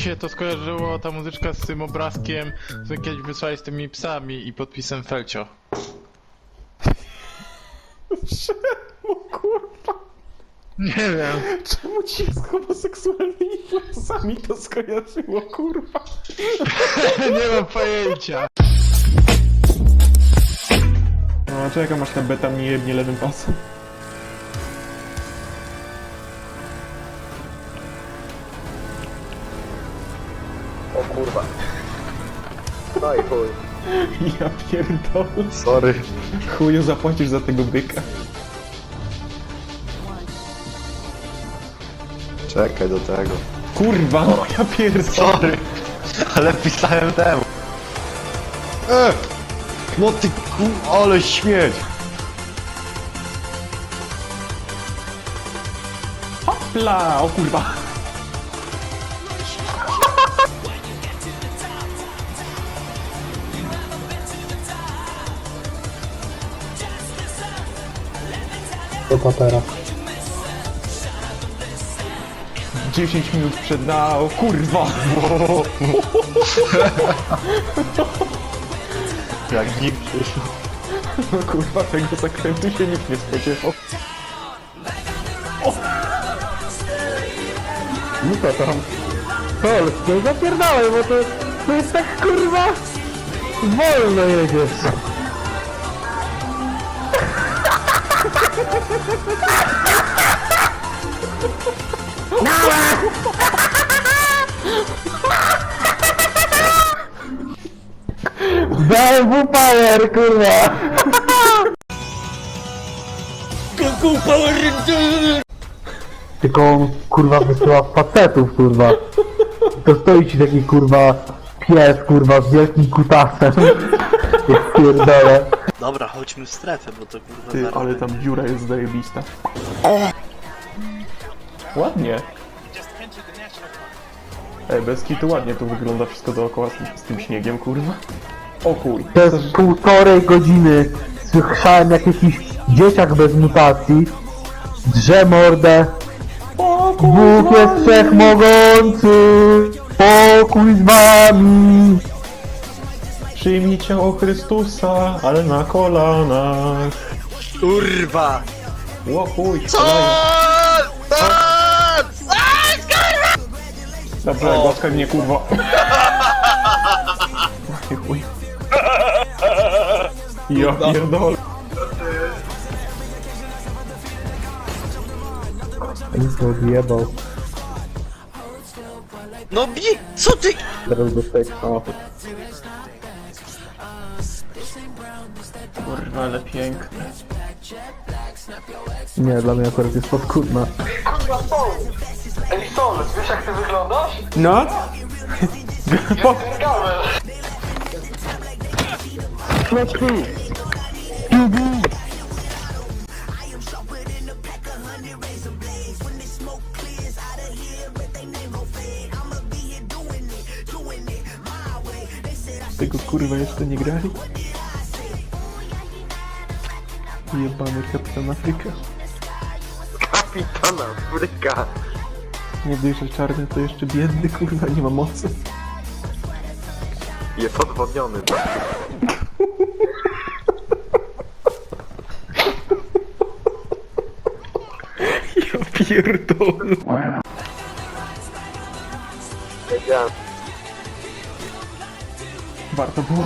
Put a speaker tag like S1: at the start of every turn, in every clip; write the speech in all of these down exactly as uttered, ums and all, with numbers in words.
S1: się to skojarzyło, ta muzyczka z tym obrazkiem, co kiedyś wysłałeś z tymi psami i podpisem Felcio.
S2: Czemu, kurwa?
S1: Nie wiem.
S2: Czemu ci z homoseksualnymi włosami to skojarzyło, kurwa?
S1: Nie mam pojęcia.
S2: No, czekam aż ta beta mnie jebnie lewym pasem.
S3: O kurwa. No i chuj.
S2: Ja pierdolę.
S3: Sorry.
S2: Chuju zapłacisz za tego byka.
S3: Czekaj do tego.
S2: Kurwa, no ja pierdolę.
S3: Sorry. Ale pisałem temu. E! No ty ku... ale śmieć!
S2: Hopla! O kurwa.
S4: Do papera.
S2: dziesięć minut przed na... O kurwa!
S3: Jak nikt.
S2: No kurwa, tego zakrętu się nikt nie spodziewał.
S4: No to tam. Polskie, zapierdalaj, bo to, to jest tak kurwa wolno jedziesz. B M W Power, kurwa! Tylko on, kurwa, wysyła facetów, kurwa. To stoi ci taki, kurwa, pies, kurwa, z wielkim kutasem. Jak pierdolę.
S5: Dobra, chodźmy w strefę, bo to kurwa
S2: Ty,
S5: zaraz
S2: ale
S5: będzie.
S2: tam dziura jest zajebista. Ładnie. Ej, bez kitu ładnie tu wygląda wszystko dookoła z tym, z tym śniegiem, kurwa. O chuj.
S4: Przez półtorej godziny słyszałem jak jakiś dzieciak bez mutacji drze mordę.
S2: O
S4: Bóg jest wszechmogący, pokój z wami.
S2: Przyjmij ciało Chrystusa, ale na kolanach.
S5: Kurwa!
S2: O chuj,
S5: Co?
S2: kolejny.
S5: Co?
S2: Dobrze, głaskaj mnie, kurwa. Oj, chuj. Ja pierdolę.
S4: Nic odjebał.
S5: No bi... Co ty?
S4: Teraz dostaję samochód.
S2: Kurwa, ale piękne.
S4: Nie, dla mnie akurat jest podkurna.
S2: No? Po... Tego kurwa jeszcze nie grali? Jebany kapitan Afryka.
S3: Kapitan Afryka.
S2: Nie dość, że czarny to jeszcze biedny, kurwa, nie ma mocy.
S3: Jest odwodniony.
S2: Ja pierdolę.
S3: Wiedziałem.
S2: Warto było.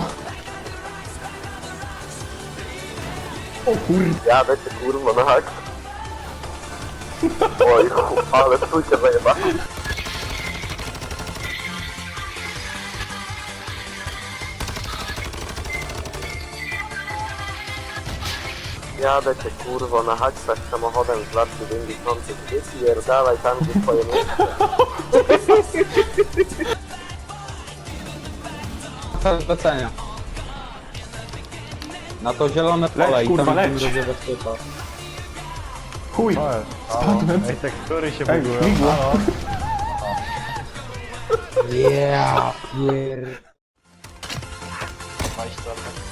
S2: O kurwa.
S3: Jadę cię kurwa na hak. Oj chuj, ale stójcie zajeba. Jadę cię kurwo na haksach samochodem z lat dziewięćdziesiątych. Gdzie pierdalaj tam gdzie twoje miejsce.
S6: Cel zlecenia. Na to zielone pole
S2: Leć,
S6: i
S2: kurwa,
S6: tam
S2: leć.
S6: będzie bezpieczna.
S2: Chuj. Spadłem.
S3: Ej, tekstury się
S2: Ej, śmigło.
S6: Ja pier...
S3: Majstra.